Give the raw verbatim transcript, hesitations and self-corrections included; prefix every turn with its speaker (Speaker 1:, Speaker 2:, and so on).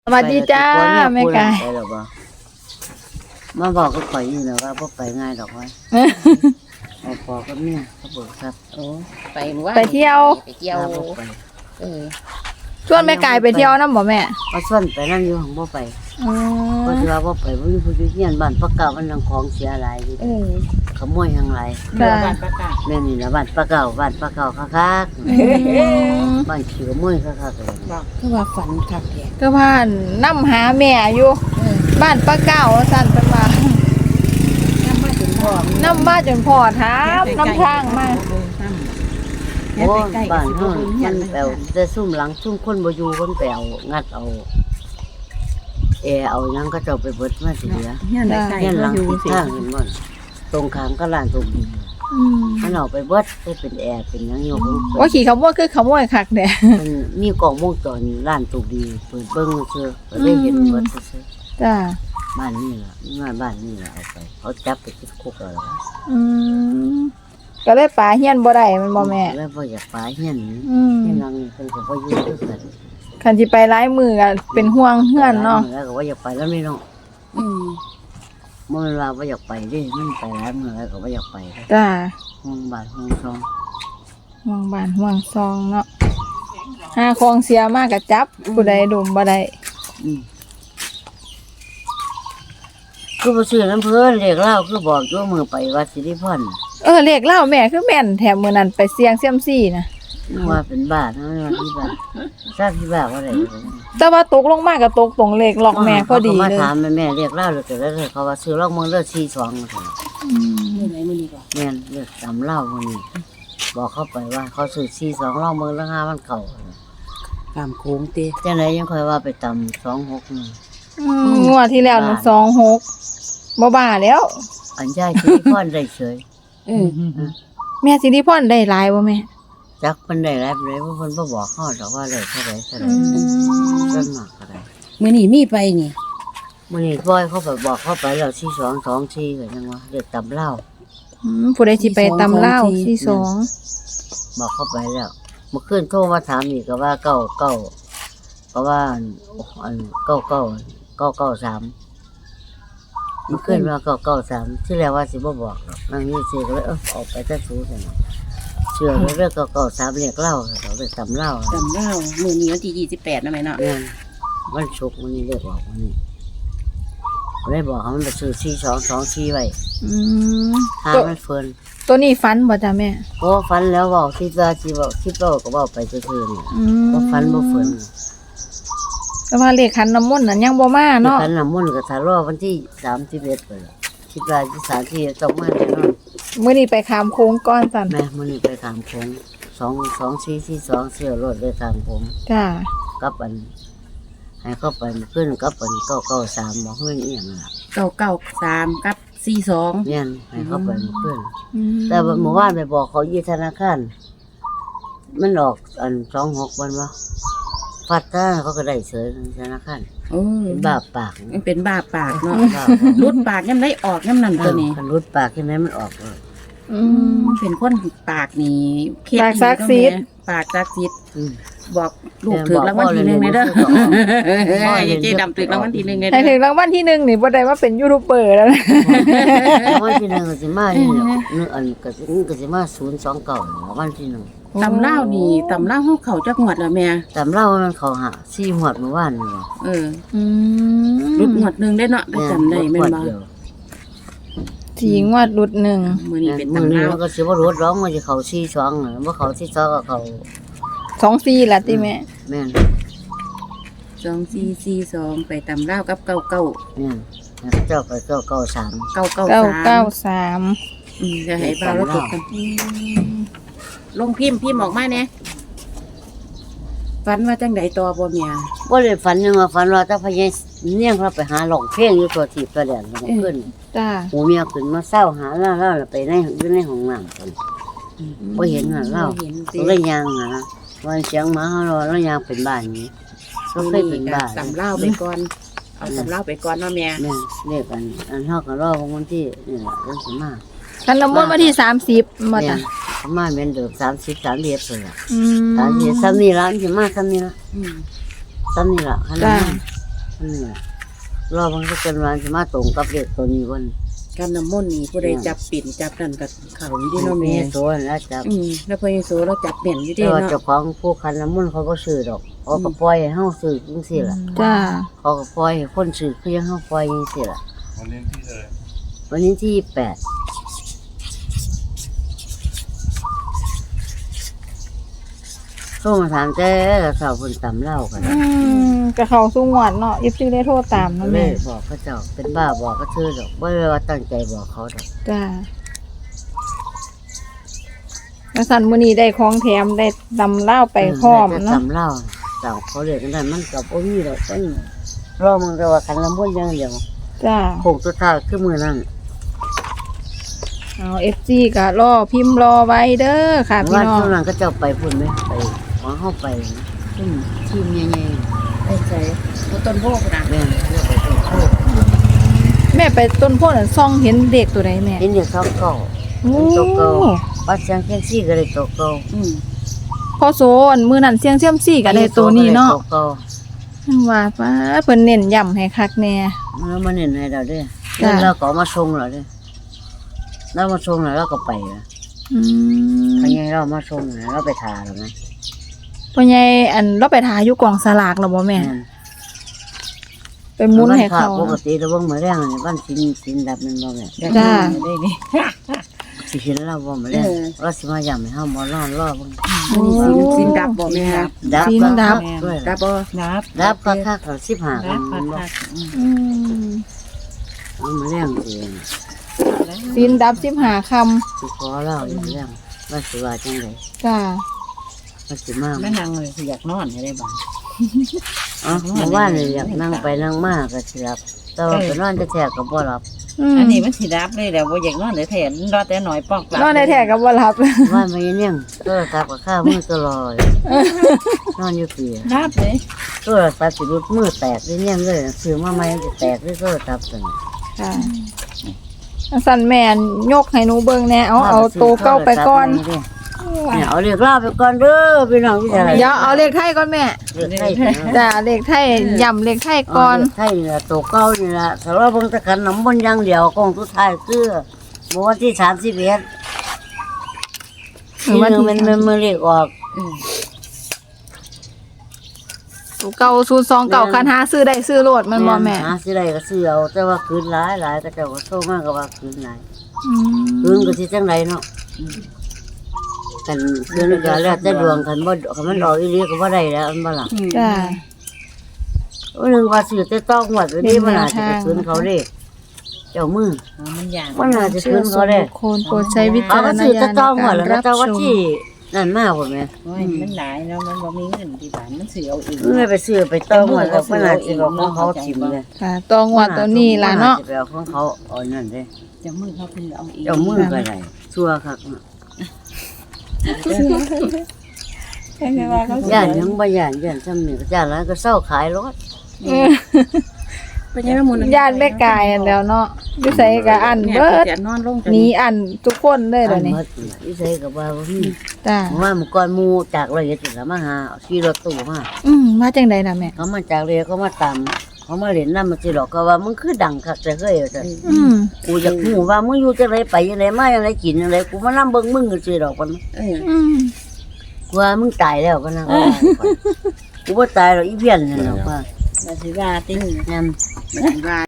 Speaker 1: สวัสดีจ้าแม่กาย
Speaker 2: มาบอกก็ข่อยนี่แหละว่าพวกไปง่ายดอกไว้เอาพอก็เนี่ยเขาบอกครับโอ้
Speaker 3: ไปเมื่อวาน
Speaker 1: ไปเที่ยว
Speaker 3: ไปเที่ยว
Speaker 2: พวกไป
Speaker 3: เออ
Speaker 1: ชวนแม่กายไปเที่ยวน้ำบ่แม่
Speaker 2: เอาส่วนไปนั่นอยู่ของพ่อไป
Speaker 1: อื
Speaker 2: เพราะ
Speaker 1: ม
Speaker 2: ว่าพ่อไปว่ามีผู้ช่วยเงียนบ้านปากเก่ามันยังของเสียหลายอยู่
Speaker 3: เออ
Speaker 2: ขโมยยังไร
Speaker 3: เมื่อวานประกาศ
Speaker 2: แม่นี่นะบ้านปากเก่าบ้านปากเก่าคัก
Speaker 1: อืม
Speaker 2: ๆบ้านขี้ขโมยคักๆเลย
Speaker 3: บอกคือว่าฝันคักแท้
Speaker 1: ก็ผ่านน้ำหาแม่อยู่
Speaker 3: เออ
Speaker 1: บ้านป้าเก้าสั่นเป็นมา
Speaker 3: น้ำมาถึงพ่อ
Speaker 1: น้ำบ้านจนพ่อถามน้ำทางมา
Speaker 2: โอ้บ้านเฮามันแปลวแต่ซุ่มหลังซุ่มคนบ่อยู่คนแปลวงัดเอาเออเอาหยังก็เจ้าไปเบิดมาสิเหลือ
Speaker 3: เฮียนใกล้
Speaker 2: เฮียน
Speaker 3: ๆ
Speaker 2: หลั
Speaker 3: เขา
Speaker 2: ง
Speaker 3: อยู่
Speaker 2: ทิศ
Speaker 3: สิ
Speaker 2: ทางเห็นบ่ตรงข้ามก็ร้านตรงนี้
Speaker 1: อืม
Speaker 2: มันเอาไปเบิดได้เป็นแอร์เป็นหยังอยู่ของเพิ่น
Speaker 1: ว่าขี่ขโมยคือขโมยคักเด้
Speaker 2: มันมีกล้องวงจรร้านตรงดีเปิดเบิ่งซื่อก็ได้เห็นเบิดซื่อ
Speaker 1: จ้า
Speaker 2: บ้านนี่ล่ะงานบ้านนี่ล่ะเอาไปเขาจับไปติดคุกแล้วล่ะ
Speaker 1: อืมก็เลยป่าเฮียนบ่ได้แมันบ่แม่
Speaker 2: แล้วบ่อยากไปเฮียนนี่
Speaker 1: อืม
Speaker 2: เฮียนหลังนี่เพิ่นก็บ่อยู่คือกัน
Speaker 1: คันสิไปหลายมือก็เป็นห่วงเฮือนเนาะ
Speaker 2: แล้วก็บ่อยากไปแล้วนี่เนาะ
Speaker 3: อืม
Speaker 2: บ่แม่นว่าบ่อยากไปเด้มันไปหลายมื้อแล้วก็บ่อยากไปเด้
Speaker 1: จ้า
Speaker 2: ห้องบ้านห้องช่อง
Speaker 1: ห่วงบ้านห่วงซองเนาะหาของเสียมากก็จับผู้ใดดุมบ่ได้
Speaker 2: อืมคือบ่ซื้อน้ำเพิ่นเรียกเล่าคือบอกอยู่มื้อไปวัดสิริพร
Speaker 1: เออเลขเล่าแม่คือแม่นแถมมือนั้นไปเสี่ยงเซียมซี่นะ
Speaker 2: ว่าเป็นบ้าเนาะว่าที่บ้าทราบที่บ้าว่าอะไร
Speaker 1: แต่ว่าตกลงมาก็ตกตรงเลขล็อกแม่พอดี
Speaker 2: มา
Speaker 1: เลย
Speaker 2: ถามแม่แม่เรียกเล่าเลยแต่แล้วเขาว่าซื้อลอกเมืองเลือดสี่สอง
Speaker 1: อืม
Speaker 3: เมื่อไหร่มื้อนี้ก่อน
Speaker 2: แม่นเลือดตำเล่าวันนี้บอกเข้าไปว่าเขาซื้อสี่สองลอกเมืองละห้ามันเก่า
Speaker 3: ตามโค้งเต้
Speaker 2: จังไหนยังคอยว่าไปตำสองหก
Speaker 1: อืมงวดที่แล้วมันสองหกบ่บ้าแล้ว
Speaker 2: อันย่ายที่พ่อนได้เฉย
Speaker 3: เออ
Speaker 1: แม่สิริพรได้หลายบ่แม่
Speaker 2: จักมันได้แล้วเลยว่าคนบ่บอกเขาแต่ว่าได้เท่าไรเท่าไร
Speaker 1: อืม
Speaker 2: เรื่องมากอะไร
Speaker 3: มื้อนี้มีไปนี่
Speaker 2: มันนี่พ่อยเขาไปบอกเข้าไปแล้วสี่สองสองสี่ก็ยังว่าเรียกตำเล่า
Speaker 1: อืมผู้ใดสิไปตำเล่าวที่สอง
Speaker 2: บอกเข้าไปแล้วเมื่อคืนโทรมาถามอีกก็ว่าเก้าเก้าก็ว่าอันเก้าเก้าเก้าเก้าสามเมื่อคืนว่าเก้าเก้าสามที่แรกว่าสิบ่บอกหรอกนั่งนี่ซื้อก็เลยเออออกไปจะสู้กันเชื่อเรื่องเก้าเก้าสามเรียกเล่าเขาเลยตำเล่า
Speaker 3: จำได้มื้อนี้วันที่ยี่สิบแปดนะแม่เนาะ
Speaker 2: เนี่ยมันชุกมันนี่เรียกบอกวันนี้ก็เลยบอกเขามันไปซื้อสี่สองสองสี่ไว้
Speaker 1: อืม
Speaker 2: หา
Speaker 1: ตัว
Speaker 2: มันเฟิน
Speaker 1: ตัวนี้ฟันบ่จ้ะแม่
Speaker 2: โอ้ฟันแล้วบอกที่ว่าที่บอกที่เราก็บอกไปซื่อๆนี่
Speaker 1: อืม
Speaker 2: บ่ฟันบ่เฟิน
Speaker 1: แต่ว่าเลขขันน้ำมนต์นั้นยังบ่มาเนาะ
Speaker 2: กันน้ำมันต์ก็ทะเลาะวันที่สามที่เอ็ดไปแล้วคิดว่าที่สามที่ต้องมาแน่นอน
Speaker 1: มื้อนี้ไปขามโค้งก้อนสั่น
Speaker 2: แม่มันนี่ไปถามผมสองสองสี่สี่สองเสี่ยวรถเลยถามผม
Speaker 1: จ้า
Speaker 2: กับอัน ให้เข้าไปขึ้นกับอันเก้าเก้าสามบอกเงินเอียงล่ะ
Speaker 3: เก้าเก้าสามกับสี่สอง
Speaker 2: เนี่ยให้เข้าไปขึ้น
Speaker 1: อืม
Speaker 2: แต่ว่าเมื่อวานไปบอกเขายี่ธนาคารมันออกอันสองหกวันวะฟัดถ้าเขาก็ได้เฉยธนาคาร
Speaker 3: โอ้
Speaker 2: เป็นบาปปาก
Speaker 3: มันเป็นบ้าปากเนาะ
Speaker 2: บาป
Speaker 3: รุดปากยามได้ออกยามนั้นตัวนี้
Speaker 2: คันรุดปากที่ไหนมันออกเลย
Speaker 1: อื
Speaker 3: อื
Speaker 1: ม
Speaker 3: มเป็นคนปากนี่เครียด
Speaker 1: ปากศักดิ์สิทธิ์
Speaker 3: ปากศักดิ์สิทธิ์
Speaker 2: อืม
Speaker 3: บอกลูกถือรางวัลที่หนึ่งเลยเด้อ
Speaker 2: พ่อเรี
Speaker 3: ยาย
Speaker 2: น
Speaker 3: เจดำถือรางวัลที่หนึ่งเลย
Speaker 1: ให้
Speaker 3: เด้
Speaker 1: ถึ
Speaker 3: อง
Speaker 1: รางวัลที่หนึ่งนี่บ่ได้ว่าเป็นยูทูบเบอร์แล้วนะ
Speaker 2: วันที่หนึ่งก็สิมานี่เนาะเนื้ออันก็สิก็สิมาศูนย์สองเก่าวันที่หนึ่ง
Speaker 3: ตำเล่าวนี่ตำเล่าวเขาเขาจักหวดแล้วแม่
Speaker 2: ตามเล่ามันเขาหาซี่หวดเมื่อวานนี่ว่ะ
Speaker 3: เออ
Speaker 1: อืม
Speaker 3: รุดหวดหนึ่งได้เนาะได้จำได้แม่น
Speaker 2: หวด
Speaker 3: บ่
Speaker 2: เดียว
Speaker 1: สีงวดรุดหนึ่ง
Speaker 3: มื้อนี้เป็น
Speaker 2: มือ
Speaker 3: ตำ
Speaker 2: นี้
Speaker 3: เล่าว
Speaker 2: มันก็สิบ่รถร้องมันจะเขาซี่สองน่ะบ่เขาซี่สองก็เขา
Speaker 1: สองสี่ละติแม่
Speaker 2: แม่น
Speaker 3: สองสี่สี่สองไปตำเล่าวกับเก้าเก้า
Speaker 2: แม่นแล้วเจ้าไปเก้าเก้าสาม
Speaker 3: เก้าเก้า
Speaker 1: เก้า
Speaker 3: สาม
Speaker 1: เก้าสาม
Speaker 3: อืมจะให้บ่าวแล้วตกกันลงพิมพ์พิมพ์ออกมาเนี่ยฝันว่าจังไดต่อบ่เมีย
Speaker 2: บ่ได้ฝันยังว่าฝันว่าถ้าพญาเนี่ยเราไปหาหลงเพลงอยู่ตัวทีตัวแดนขึ้น
Speaker 1: จ้า
Speaker 2: หูเมียขึ้นมาเศร้าหาเล่าเล่าแล้วไปในอยู่ในห้องน้ำกันบ่เห็นน่ะเล่า
Speaker 3: บ่เห็นสิ
Speaker 2: ก็เลยยางหาวันเสียงหมาเฮาแล้วยางเป็นบ้านนี้ก็เคยเป็นบ้าน
Speaker 3: ตำเล่าวไปก่อนเอาตำเล่าวไปก่อนเนาะแม่
Speaker 2: แม่เรียกกันอันเฮาก็รอวันที่นี่แหละเรื่องสิมา
Speaker 1: คันน้ำมนต์วันที่สามสิบมา
Speaker 2: แม่
Speaker 1: จ้ะ
Speaker 2: ประมาณเป็นเดิมสามสิบสามเดือนเลยล่ะ
Speaker 1: อืม
Speaker 2: สามเดือนสามนี่ละมันสิมาสามนี่ละ
Speaker 3: อืม
Speaker 2: สามนี่ละขนาดนั้นนี่แหละรอมันก็เป็นวันสิมาตรงกับเลขตัวนี้วัน
Speaker 3: การน้ำมนต์นี่ผู้ใดจับปิ่นจับนั่นก็เข้าอยู่ที่เนาะ
Speaker 2: มี
Speaker 3: แม่
Speaker 2: โซนแล้วจับ
Speaker 3: อืมแล้วพอยังโซเราจับเปลี่ยนอยู่ที่
Speaker 2: แต่ว่า
Speaker 3: เนาะ
Speaker 2: เจ้าของผู้คันน้ำมันต์เขาก็ซื้อดอกเขาก็ปล่อยให้เฮาซื้อจังซี่ล่ะ
Speaker 1: จ้า
Speaker 2: เขาก็ปล่อยให้คนซื้อคือยังเฮาปล่อยจังซี่ล่ะ
Speaker 4: วันนี้ที่เลย
Speaker 2: วันนี้ที่แปดโทรมาถามแต่สาวเพิ่นตำเหล้ากัน
Speaker 1: อืมก็เข้าสู่งวดเนาะ เอฟ ซี ได้โทรตามเนาะ
Speaker 2: เล
Speaker 1: แม่
Speaker 2: ยบอกเขาเจ้าเป็นบ้าบอกก็ชื่อดอกบ่ได้ว่าตั้งใจบอกเขาดอก
Speaker 1: จ้าแล้วสันมื้อนี้ได้ของแถมได้ดำเล่าวไปพร้อม
Speaker 2: แต่
Speaker 1: เนาะ
Speaker 2: ตำเหล้าสาวเขาเรียกกันได้มันก็บ่มีดอกเป็นรอมึงแต่ว่าคันละมุนอย่างเดียว
Speaker 1: จ้า
Speaker 2: โคงสุดท้ายคือมื้อนั้น
Speaker 1: เอา เอฟ ซี ก็รอพิมพ์รอไว้เด้อค่ะพี่
Speaker 2: ว่า
Speaker 1: น้อง
Speaker 2: ช่วงนั้นก็เจ้าไปพุ่นไหมไปหวังเข้าไปขึ้นทีมใหญ่
Speaker 3: ไอ้ใจบ่ต้นโพกนะ
Speaker 2: ๆแม่นเรียกไปต้นโพธิ์
Speaker 1: แม่ไปต้นโพธิ์นั่นซ่องเห็นเด็กตัวใดแม่
Speaker 2: เห็นอยู่สองเก่า
Speaker 1: โอ้
Speaker 2: เป็นตัวเก่า ปัดเสียงเคียงซี่ก็เลยตัวเก่า
Speaker 3: อืม
Speaker 1: พอโซอันมื้อนั้นเสียงเซียมซี่ก็ได้ตัวนี้เนาะ
Speaker 2: ตัวเก่า
Speaker 1: ว่าป้าเพิ่นเน้นย้ำให้คักแน่
Speaker 2: แล้วมาเน้นให้เราเด้วย
Speaker 1: จ้ะ
Speaker 2: แล้วก็เอามาส่งเราเด้วยแล้วมาส่งแล้วเราก็ไปแล้ว
Speaker 1: อืม
Speaker 2: พอยังเรามาส่งแล้วเราไปทาแล้วไหม
Speaker 1: พ่อใหญ่อันเราไปถ่ายอยู่กองสลากแล้วบ่แม่
Speaker 2: แม่น
Speaker 1: ไปหมุนให้เขา
Speaker 2: ปกติเราเบิ่งมาแรงนี่บ้านสินสินดับมันบ่แม่
Speaker 1: จ้า
Speaker 3: ได้นี่
Speaker 2: สิเห็นเราบ่มาแรง
Speaker 3: เออ
Speaker 2: เราสิมาย้ำให้เฮาบ่รอรอเบิ่ง
Speaker 1: โอ้
Speaker 3: สินสินดับบ่แม่ครับ
Speaker 2: ดับ
Speaker 1: สินดับ
Speaker 2: ด้วย
Speaker 3: ดับบ่ดับ
Speaker 2: ดับก็ค่าเขาสิบห้าค
Speaker 3: ดั
Speaker 2: น
Speaker 3: บ
Speaker 2: มันบ่
Speaker 3: คักๆอืม
Speaker 1: อืม
Speaker 2: เอามาแรงเอง
Speaker 1: สินดับสิบห้าค
Speaker 2: สิขอเล่าอยู่เรื่องว่าสิว่าจังได
Speaker 1: ำจ้า
Speaker 2: ว่าสิมา
Speaker 3: แม่นางเลยสิอยากนอนให้ได้บ่
Speaker 2: อ๋อเมื่อวานนี่อยากนั่งไปนั่งมาก็สิหลับแต่ว่าไปนอนแท้ๆก็บ่หลับ
Speaker 1: ม
Speaker 3: อันนี้มันสิดับเลยแล้วบ่อยากนอนเลยแทนรอแต่หน่อยปอกหลับ
Speaker 1: นอนได้แท้กับบ่รับ
Speaker 2: ว่าไม่เนี่ยโทรศัพท์ก็ข้ามือตลอดนอนอยู่เปีย
Speaker 3: ดับเลย
Speaker 2: โทรศัพท์สิรุดมือแตกได้เนี่ยเลยซื้อมาใหม่จะแตกด้วยโทรศัพท์ตัวนี้
Speaker 1: ค่ะสั่นแม่นยกให้หนูเบิ่งแหน่เอาเอาโตวเก้าไปก่อน
Speaker 2: เนี่ยเอาเรียกเล่าไปก่อนเด้อพี่น้องที่จะอะไร
Speaker 1: เดี๋ยวเอาเลขไทยก่อนแม่
Speaker 2: เรียกไทย
Speaker 1: จ้าเลขไทยย่ำเลขไทยก่อน
Speaker 2: ไทยนี่ละตัวเก่านี่ละสำหรับเบิ่งแตะกันน้ำมันต์อย่างเดียวกองสุดท้ายคือเมื่อวันที่สามสิบเอ็ด
Speaker 1: หรื
Speaker 2: ที่
Speaker 1: อว่า
Speaker 2: หนึง
Speaker 1: ที่
Speaker 2: มันมันมันเรียกออก
Speaker 3: อืม
Speaker 1: ตัวเก่าศูนย์สองเก่าคันหาซื้อได้ซื้อโลดมันบ่แม่
Speaker 2: หาสิได้ก็ซื้อเอาแต่ว่าคืนหลายหลายก็เจ้าก็โทรมาก็ว่าคืนหลาย
Speaker 1: อื
Speaker 2: คืน
Speaker 1: ม
Speaker 2: ก็สิจังไดเนาะกันเดือนก็แล้วแต่ดวงกันบ่คันมันออกอีหลีก็บ่ได้แล้วอันบ่ล่ะ
Speaker 1: จ้า
Speaker 2: วันหนึงว่าซื้อแต่ต้องหมดวันนี้มันอาจจะไปคืนเขาเด้เจ้ามือ
Speaker 3: อ๋อมันยาก
Speaker 2: มันอาจจะ
Speaker 1: เชื่
Speaker 2: คื
Speaker 1: อน ส่
Speaker 2: เขา
Speaker 1: วน
Speaker 2: เด้
Speaker 1: บุคคลโปรดใช้วิ
Speaker 2: เขา
Speaker 1: จาร
Speaker 2: ก็
Speaker 1: ณ
Speaker 2: ซื้อ
Speaker 1: ญา
Speaker 2: แต่
Speaker 1: ณใน
Speaker 2: ต้องหม
Speaker 1: กา
Speaker 2: ด
Speaker 1: ร
Speaker 2: แล้ว
Speaker 1: รับ
Speaker 2: เจ้าว่า
Speaker 1: ชม
Speaker 2: ที่นั่นมากบ่แม่
Speaker 3: โอ้ยมันหลายเนาะมันบ่มีเงินที่บ้านมันสิเอาเอง
Speaker 2: เมื่อไปซื้อไปต้องหมดแล้วมันอาจจะบอกของเขาถิ่มเลย
Speaker 1: ค่ะตัวงวดตัวนี้ล่ะเนาะ
Speaker 2: มัอจจะไปเอาของเขาเอานั่นเด้
Speaker 3: เจะมือเขาเพิ่นเอาเอง
Speaker 2: เจ้ามือก็ได้ชั่วคักเนาะย่านยังบ่ย่านย่านซ้ำนี่ก็ย่านแล้วก็เศร้าขายรถ
Speaker 3: เป็นยังไงหมู่นั้น
Speaker 1: ญาติแม่กายอันแล้วเนาะอยู่ไสก็อัน
Speaker 3: แม่
Speaker 1: เบิด
Speaker 3: จะนอนลงจ
Speaker 1: หนีอันทุกคนเลยเดี๋ยวนี้
Speaker 2: อันหมดน่ะอีใส่ก็ว่าบ่มี
Speaker 1: จ้า
Speaker 2: ว่ามันก่อนหมู่จากร้อยเอ็ดนี่ล่ะมาหาขี่รถตู้มา
Speaker 1: อืมมาจังใดน่ะแม่
Speaker 2: เขามาจากเรือเขามาตามเขามาเล่นน้ำมันสิหรอกก็ว่ามึงคือดังคักแต่เคยว่าซั่น
Speaker 1: อืม
Speaker 2: กูอยากหูว่ามึงอยู่จังไรไปจังไรมาจังไรกินจังไรกูมานํเบิ่งมึงก็สิดอกมัน
Speaker 3: เออ
Speaker 1: อืม
Speaker 2: กูว่ามึงตายแล้วปะนะกูบ่ตายหรอกอีเพี้ยนนั่นหรอกว่า
Speaker 3: มาสิว่าติ
Speaker 2: แม่น
Speaker 3: มาสิว่า